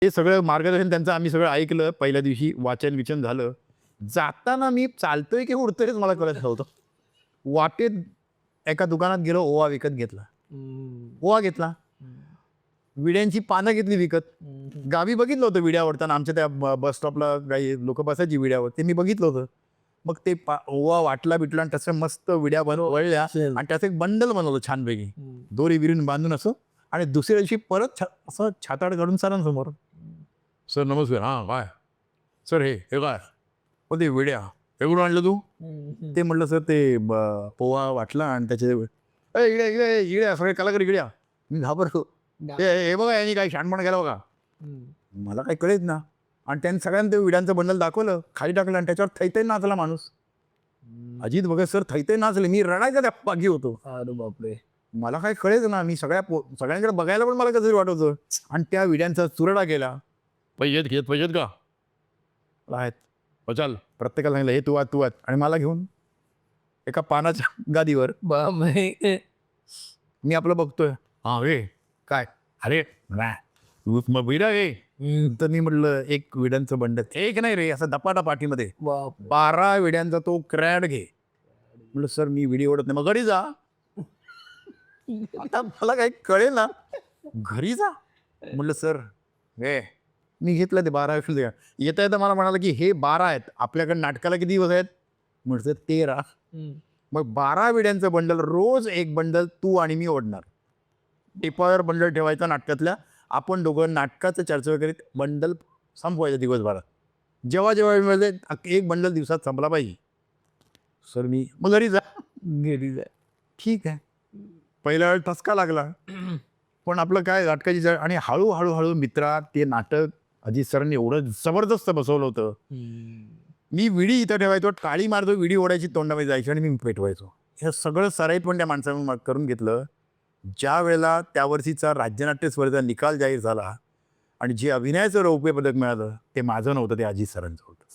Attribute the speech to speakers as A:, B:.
A: ते सगळं मार्गदर्शन त्यांचं आम्ही सगळं ऐकलं. पहिल्या दिवशी वाचन-विचन झालं. जाताना मी चालतोय की उडतोय हेच मला कळत नव्हतं. वाटेत एका दुकानात गेलो, ओवा विकत घेतला. ओवा घेतला. विड्यांची पानं घेतली विकत. गावी बघितलं होतं विड्या ओढताना आमच्या त्या बस स्टॉपला काही लोकं बसायची विड्यावर. ते मी बघितलं होतं. मग ते ओवा वाटला-बिटला आणि तसं मस्त विड्या वळल्या आणि त्याचं एक बंडल बनवलं छानपैकी. दोरी बिरीन बांधून असं आणि दुसऱ्या दिवशी परत असं छाताड काढून सरांसमोर. सर नमस्कार. हां, काय? सर हे काय? हो ते विड्या. हे कुठून आणलं तू? ते म्हटलं सर ते पोहा वाटला आणि त्याचे इड्या इड्या इड्या सगळे कलाकार इड्या. मी घाबरलो. हे बघा यांनी काही शहाणपणा केला बघा. मला काही कळेच ना आणि त्यांनी सगळ्यांना ते विड्यांचं बंडल दाखवलं, खाली टाकलं आणि त्याच्यावर थैथै नाचला माणूस. अजित भगत सर थैथै नाचले. मी रडायचा त्या पागी होतो.
B: अरे बापरे.
A: मला काही कळेच ना. मी सगळ्यांकडे बघायला पण मला कसं तरी वाटत होतं आणि त्या विड्यांचा चुरडा केला. पैसे घेत का? आहेत. चल प्रत्येकाला सांगितलं हे तू वाच आणि मला घेऊन एका पानाच्या गादीवर
B: बापरे.
A: मी आपलं बघतोय. हां रे काय? अरे मग विडा रे. तर मी म्हटलं एक विड्यांचं बंडल. एक नाही रे असं दपाटा पाठीमध्ये
B: बापरे.
A: 12 विड्यांचा तो क्रॅड घे. म्हटलं सर मी विडी ओढत नाही. मग घरी जा. आता मला काही कळेल ना. घरी जा. म्हटलं सर हे मी घेतलं ते 12 विड्या. येता येता मला म्हणाला की हे 12 आहेत. आपल्याकडे नाटकाला किती दिवस आहेत? म्हटलं 13. मग 12 विड्यांचं बंडल रोज एक बंडल तू आणि मी ओढणार. टिपावर बंडल ठेवायचा नाटकातल्या. आपण दोघं नाटकाचं चर्चा करीत बंडल संपवायचं दिवसभरात. जेव्हा वेळ एक बंडल दिवसात संपला पाहिजे. सर मी मग घरी जा.
B: घरी जाय.
A: ठीक आहे. पहिल्या वेळ ठसका लागला. पण आपलं काय नाटकाची आणि हळूहळू मित्रा ते नाटक अजित सरांनी एवढं जबरदस्त बसवलं होतं. मी विडी इथं ठेवायचो, टाळी मारतो, विडी ओढायची तोंडामध्ये जायची आणि मी पेटवायचो. हे सगळं सराईत पण त्या माणसानं करून घेतलं. ज्या वेळेला त्या वर्षीचा राज्यनाट्य स्पर्धेचा निकाल जाहीर झाला आणि जे अभिनयाचं रौप्य पदक मिळालं ते माझं नव्हतं, ते अजित सरांचं होतं.